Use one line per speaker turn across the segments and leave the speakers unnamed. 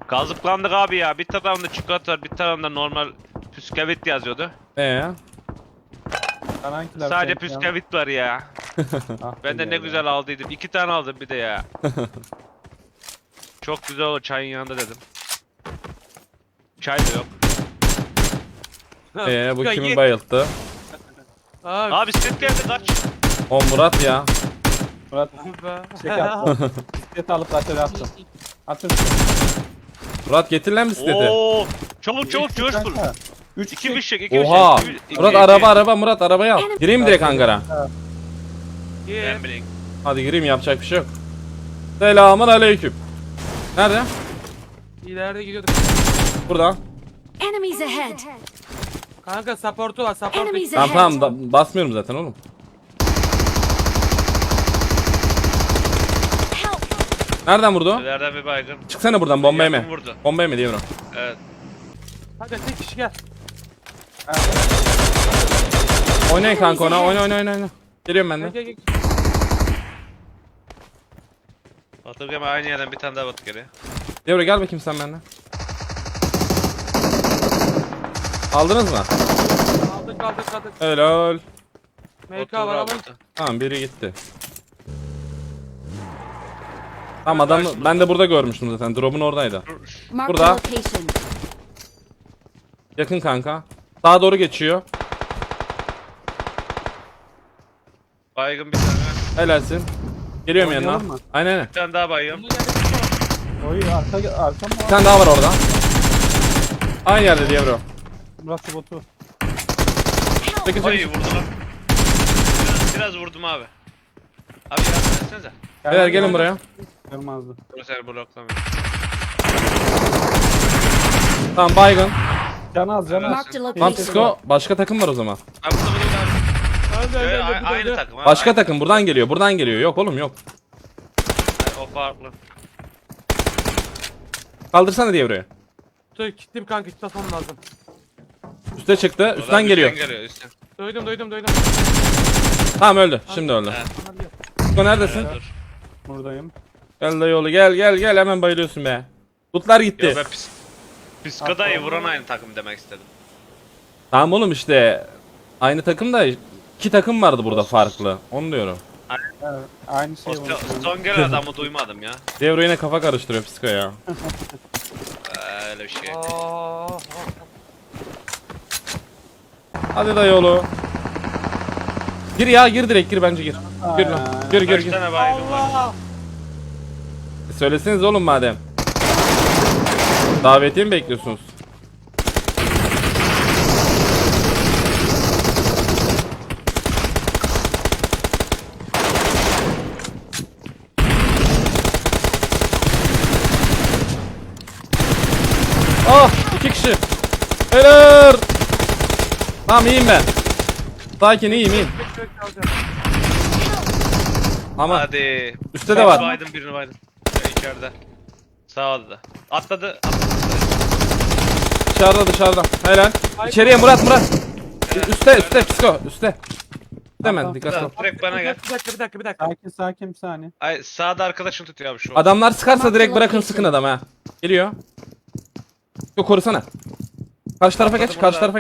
Kazıklandık abi ya. Bir tarafında çikolata, bir tarafında normal püskevit yazıyordu. Sadece püskevit var ya.
Ah,
Ben de ne güzel aldıydım. 2 tane aldım bir de ya. Çok güzel olur çayın yanında dedim. Çay da yok.
Bu kimi bayılttı?
Abi bisiklet geldi kaç.
O Murat ya.
Murat çek attı. Bisiklet alıp aşağıya attım. Atın.
Murat getir lan bisikleti.
Oo! Çabuk çabuk coşkun.
3
2 fişek, 2
Oha.
fişek.
Murat araba Murat arabayı al. Gireyim direkt hangara.
Ben bileyim.
Hadi gireyim yapacak bir şey yok. Selamun aleyküm. Nerede?
İleride gidiyorduk.
Burada.
Enemies ahead.
Kanka supportu var supportu.
Enemies
Tamam
ahead.
tamam basmıyorum zaten oğlum.
Help.
Nereden vurdu?
İleriden bir baygın.
Çıksana buradan bomba yeme.
Yakın vurdu.
Bomba yeme diye bro.
Evet.
Hadi tek kişi gel.
Oynayın kanka ona oyna. Geliyorum ben
Gel
de.
gel gel.
Batırgama aynı yerden bir tane daha batı geliyor.
Devre gel bakayım sen benimle. Aldınız mı?
Aldık.
Helal.
MK var ama.
Tamam biri gitti. Tamam adam ben de burada görmüştüm zaten. Drop'un oradaydı.
Mark
Burada.
the location.
Yakın kanka. Sağa doğru geçiyor.
Baygın bir tane.
Helalsin. Geliyorum
Oynayalım
yanına.
mı?
Aynen.
Bir tane daha baygın.
Oy arka mı
Bir
var?
tane daha var orada. Aynı yerde diye bro.
Murat botu.
Çekil
Ay
çekil.
vurdu lan. Biraz vurdum abi. Abi yardım etsenize.
Beyler gelin buraya.
Kırmazdı.
Dur seni bloklamıyor.
Tamam baygın.
Can az.
Mark the
Tamam
location.
psiko. Başka takım var o zaman.
Abi burada burada abi.
Öldü
Aynı takım abi.
Başka takım buradan geliyor. Yok oğlum yok.
O farklı.
Kaldırsana diye buraya.
Dur gittim kanka tutmam lazım.
Üste çıktı. Üstten geliyor.
Üstten.
Duydum.
Tamam öldü. Şimdi öldü.
Evet.
Psiko neredesin?
Dur.
Buradayım.
Gel dayıoğlu gel hemen bayılıyorsun be. Lootlar gitti.
Yo ben Psiko'dayı vuran aynı takım demek istedim.
Tamam oğlum işte aynı takım da iki takım vardı burada farklı. Onu diyorum.
Evet. Aynı
O
şey var.
son gelen adamı duymadım ya.
Devro yine kafa karıştırıyor psiko ya.
Öyle bir şey.
Hadi dayıoğlu. Gir direkt gir bence gir. Gir lan. Gir
Kaç tane baygın var?
Allah.
Söyleseniz oğlum madem. Davetiye mi bekliyorsunuz? Ah 2 kişi. Helal. Tamam iyiyim ben. Sakin iyiyim. Ama
Hadi.
üstte de var.
Birini baydım. Ya içeride. Sağ oldu da. Atladı.
Dışarıda. Helal. İçeriye Murat. Üste psiko. Üste. Hemen dikkat et.
Direkt bana gel.
Bir dakika.
Sakin bir saniye.
Ay sağda arkadaşım tutuyor abi şu.
Adamlar sıkarsa direkt bırakın sıkın adam ha. Geliyor. Yok korusana. Karşı tarafa geç.
Bomba geldi.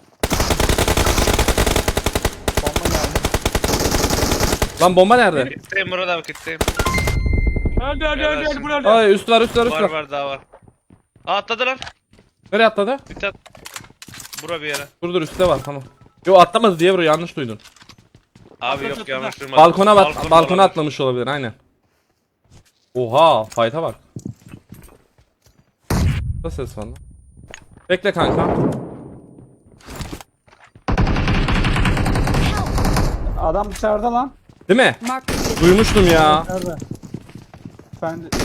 Lan bomba nerede?
Kitleyim Murat abi kitleyim.
Öldü bunu öldü.
Ay üst var.
Var daha var. Aa, atladı lan.
Nereye atladı?
Bir tane. Bura bir yere.
Dur üstte var tamam. Yo atlamadı diye buraya yanlış duydun.
Abi yok yanlış duymadım.
Balkona balkona
olabilir.
atlamış olabilir aynen. Oha fight'a bak. Ne ses var lan? Bekle kanka.
Adam dışarıda lan.
Değil mi?
Mark the location.
Duymuştum ya.
Nerede? Ben de...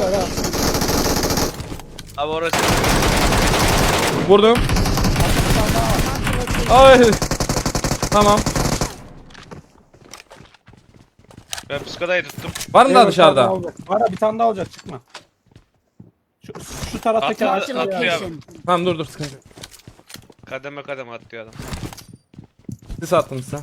Abi orası.
Vurdum. Ay. Tamam.
Ben psikodayı tuttum.
Var mı daha dışarıda?
Var bir tane daha olacak çıkma. Şu taraftaki
Atlıyor abi.
Tamam dur sıkıntı yok.
Kademe kademe atlıyor adam.
Sis attım size.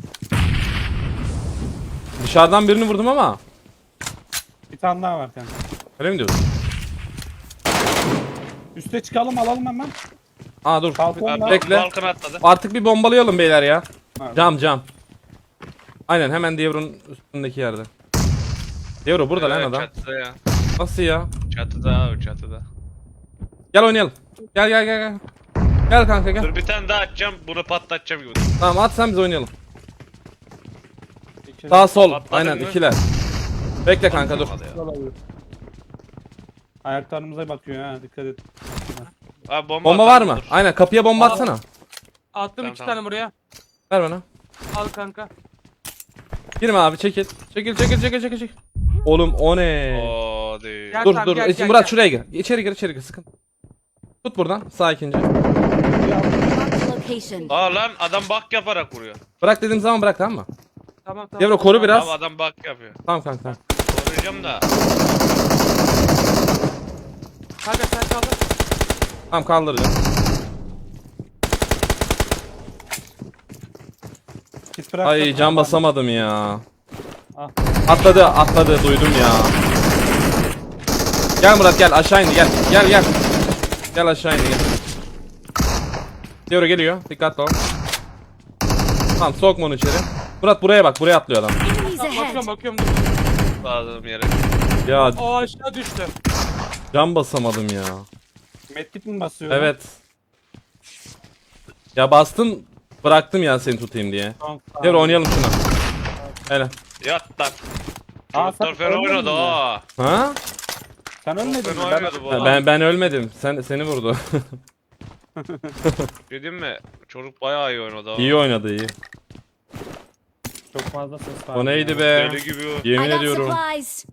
Dışarıdan birini vurdum ama.
Bir tane daha var kanka.
Öyle mi diyorsun?
Üste çıkalım alalım hemen.
Aa dur.
Balkonda.
Bekle.
Balkona atladı.
Artık bir bombalayalım beyler ya.
Nerede?
Cam. Aynen hemen Devro'nun üstündeki yerde. Devro burada lan adam.
Çatıda ya.
Nasıl ya?
Çatıda abi çatıda.
Gel oynayalım. Gel. Gel kanka gel.
Dur bir tane daha atacağım. Bunu patlatacağım gibi.
Tamam at sen biz oynayalım.
İçeri-
Sağ sol.
Patladın
Aynen
mı?
ikiler. Bekle kanka dur.
Hadi ya.
Olabilir. Ayaklarımıza bakıyor ha dikkat et.
Abi
Bomba var mı? Aynen kapıya bomba atsana.
Attım
Tamam,
2
tamam.
tane buraya.
Ver bana.
Al kanka.
Girme abi çekil. Çekil. Oğlum o ne?
Oo değil.
Gel.
Dur
tamam,
dur.
gel,
Murat
gel.
şuraya gir. İçeri gir sıkın. Tut buradan sakince.
Marked a location.
Aa lan adam bak yaparak vuruyor.
Bırak dediğim zaman bırak tamam mı?
Tamam.
Devro koru biraz.
Abi adam bak yapıyor.
Tamam kanka.
Koruyacağım da.
Kanka sen kaldır.
Tamam kaldıracağım.
Kit bırak.
Ay can basamadım ya.
Ah.
Atladı duydum ya. Gel Murat gel aşağı indi gel. Gel aşağı indi gel. Devro geliyor. Dikkatli ol. Tamam sokma onu içeri. Murat buraya bak buraya atlıyor adam.
Enemies
Bakıyorum
ahead.
dur.
Bağladığım yere.
Ya
O aşağı düştü.
can basamadım ya.
Medkit mi basıyor?
Evet. Ya bastım bıraktım ya seni tutayım diye.
Tamam, tamam.
Devro oynayalım şuna. Hele.
Yat lan.
Aa,
Çocuklar
sen
fena
ölmedin
oynadı
mi?
ha.
Ha?
Sen ölmedin mi?
Fena oynadı bu adam.
Ben ölmedim. Seni vurdu.
Dedim mi? Çocuk bayağı iyi oynadı ha.
İyi oynadı iyi.
Çok fazla ses var.
O neydi be?
Deli gibi.
Yemin
I got
ediyorum.
supplies.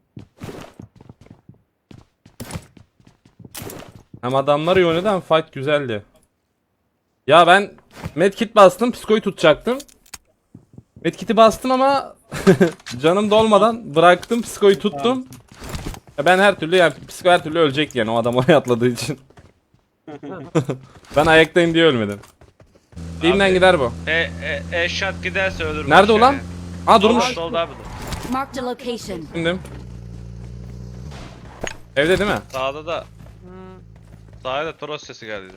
Hem adamlar iyi oynadı hem fight güzeldi. Ya ben medkit bastım, psikoyu tutacaktım. Medkit'i bastım ama canım dolmadan bıraktım, psikoyu tuttum. Ya ben her türlü yani psiko her türlü ölecek yani o adam oraya atladığı için. Ben ayaktayım diye ölmedim. Dilimden
Abi.
gider bu.
Eşat giderse ölür.
Nerede
boş
ulan?
yani.
Aa durmuş.
Solda abi.
Marked a location.
Şimdi. Evde değil mi?
Sağda da.
Hmm.
Sağda da Toros sesi geldi.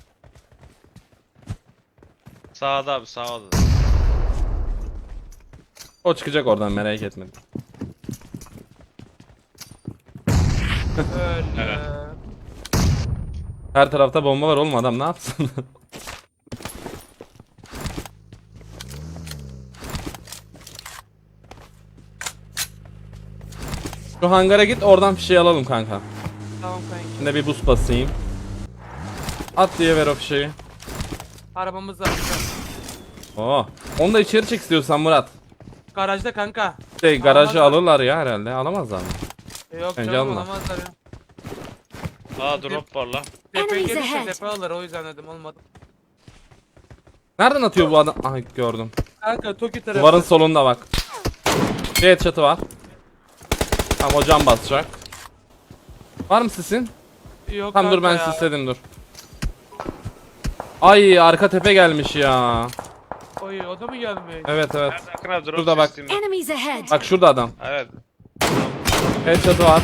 Sağda abi sağda.
O çıkacak oradan merak etme.
Öyle.
Her tarafta bomba var oğlum adam ne yapsın? Şu hangara git oradan bir şey alalım kanka.
Tamam kanka.
Şimdi bir boost basayım. At diye ver o fişeği.
Arabamız var.
Oo. Onu da içeri çek istiyorsan Murat.
Garajda kanka.
Garajı
Alamazlar.
alırlar ya herhalde. Alamazlar mı?
Yok
Bence
canım
alma.
alamazlar ya.
Aa drop var lan.
Tepeye
Enemies
gelirse
ahead.
tepe alır o yüzden dedim olmadı.
Nereden atıyor bu adam? Aha gördüm.
Kanka Toki tarafı.
Duvarın solunda bak. Bir headshot'ı var. Tamam o cam basacak. Var mı sisin?
Yok
Tamam dur ben
kanka ya.
sisledim dur. Ay arka tepe gelmiş ya.
Oy o da mı gelmiyor?
Evet.
Nerede Akın abi drop
Şurada bak.
sesiyim.
Enemies ahead.
Bak şurada adam.
Evet.
Headshot'ı var.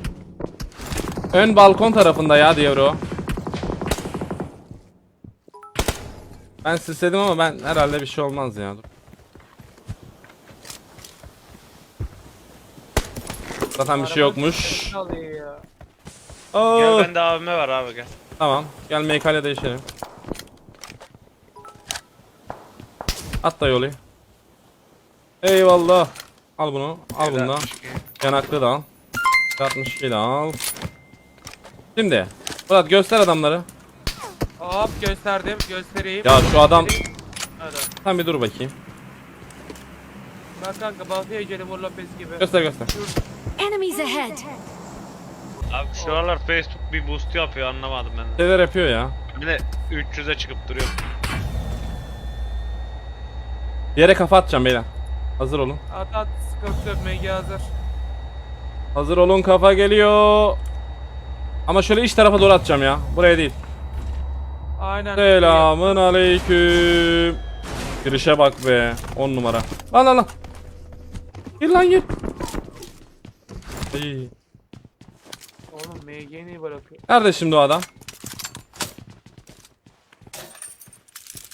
Ön balkon tarafında ya Devro. Ben sisledim ama ben herhalde bir şey olmaz ya. Dur. Zaten bir şey yokmuş.
Ne oluyor ya?
Oo.
Gel bende AVM var abi gel.
Tamam. Gel MK'le değişelim. At da yolu. Eyvallah. Al bunu. Al bunu da.
62.
Yanaklı da al. 62 de al. Şimdi. Murat göster adamları.
Hop gösterdim göstereyim.
Ya şu adam.
Hadi.
Sen bir dur bakayım.
Bak kanka Baltaya Jennifer Lopez gibi.
Göster.
Enemies ahead.
Abi şu aralar Facebook bir boost yapıyor anlamadım ben de.
Şeyler yapıyor ya.
Bir de 300'e çıkıp duruyor.
Bir yere kafa atacağım beyler. Hazır olun.
At sıkıntı yok MG hazır.
Hazır olun kafa geliyor. Ama şöyle iç tarafa doğru atacağım ya. Buraya değil.
Aynen.
Selamın aleyküm. Girişe bak be. 10 numara. Lan. Gir lan gir. İyi.
Oğlum MG'yi niye bırakıyor?
Nerede şimdi o adam?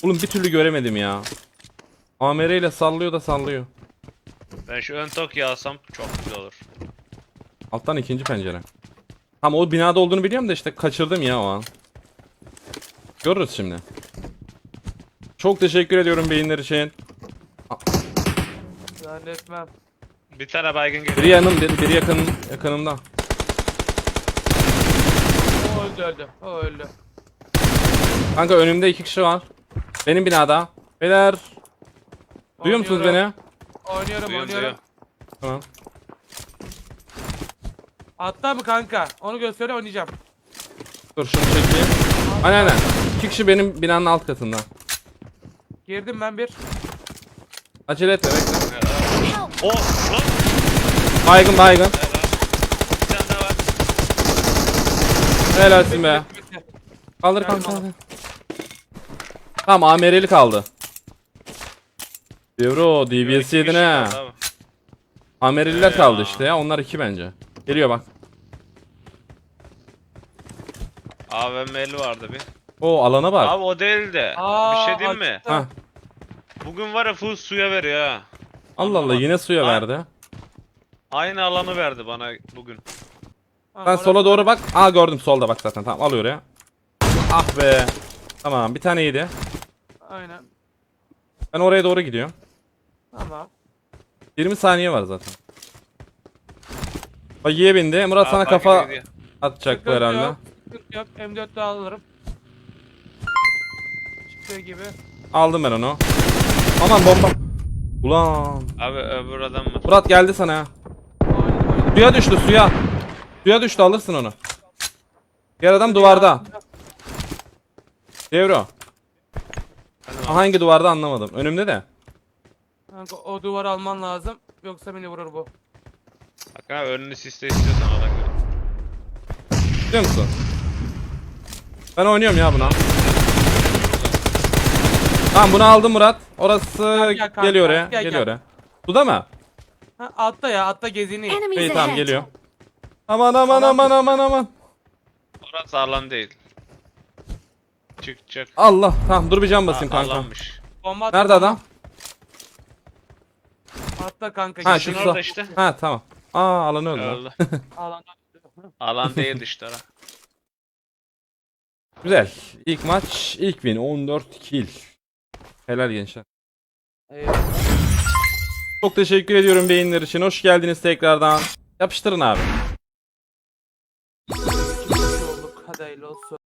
Oğlum bir türlü göremedim ya. AMR ile sallıyor da sallıyor.
Ben şu ön Tokyo alsam çok güzel olur.
Alttan ikinci pencere. Tam o binada olduğunu biliyorum da işte kaçırdım ya o an. Görürüz şimdi. Çok teşekkür ediyorum beyinler için.
Zannetmem.
Bir tane baygın
Biri
geliyor.
biri yakınımda.
O öldü öldü. O öldü.
Kanka önümde 2 kişi var. Benim binada. Beyler. Duyuyor musunuz beni?
Oynuyorum,
Duyuyorum,
oynuyorum.
duyuyorum.
Tamam.
Hatta mı kanka? Onu gösteriyor oynayacağım.
Dur şunu çekeyim. Aynen. 2 kişi benim binanın alt katında.
Girdim ben bir.
Acele etme bekle.
Oh lan.
Baygın.
Bir tane daha var.
Helalsin be.
Bitti.
Kaldır
Geldim
kanka.
abi.
Tamam AMR'li kaldı. Devro DBS yedin ha.
Abi.
AMR'liler kaldı
Ya.
işte ya. Onlar 2 bence. Geliyor bak.
AVM'li vardı bir.
O alana bak.
Abi o değil de.
Aa,
Bir şey diyeyim mi?
açıkta.
Hah.
Bugün var ya full suya veriyor ha.
Allah Allah yine suya
Ha.
verdi.
Aynı alanı verdi bana bugün.
Ha,
Ben
orası-
sola doğru bak. Aa gördüm solda bak zaten. Tamam alıyor oraya. Ah be. Tamam bir tane yedi.
Aynen.
Ben oraya doğru gidiyorum.
Tamam.
20 saniye var zaten. Bagiye bindi. Murat sana
Aa,
kafa
bak gidiyor.
atacak bu
Sıkıntı
herhalde.
yok, sıkıntı yok. M4 de alırım. Çıktığı gibi.
Aldım ben onu. Aman bomba. Ulan.
Abi öbür adam var.
Murat geldi sana ya.
Oynadım.
Suya düştü suya. Suya düştü alırsın onu. Diğer adam duvarda. Devro. Hangi duvarda anlamadım. Önümde de.
Kanka o duvarı alman lazım. Yoksa beni vurur bu.
Bak ha önünü siste istiyorsan ona göre.
Biliyor musun? Ben oynuyorum ya buna. Tamam bunu aldım Murat. Orası
Gel kanka,
geliyor oraya.
gel,
Geliyor
gel.
oraya. Suda mı?
Ha, altta ya altta geziniyor.
İyi
Enemies
tamam
ahead.
geliyor. Aman.
Orası alan değil. Çık.
Allah. Tamam dur bir can basayım kanka.
Alanmış.
Bomba at-
Nerede adam?
Altta kanka.
Ha
geziniyor.
şu
orada
su.
işte.
Ha tamam. Aa alanı öldü.
Öldü.
Alanda.
Alan değil işte ara.
Güzel. İlk maç ilk win 14 kill. Helal gençler.
Eyvallah.
Çok teşekkür ediyorum beyinler için. Hoş geldiniz tekrardan. Yapıştırın abi.
İki kişi olduk. Hadi hayırlı olsun.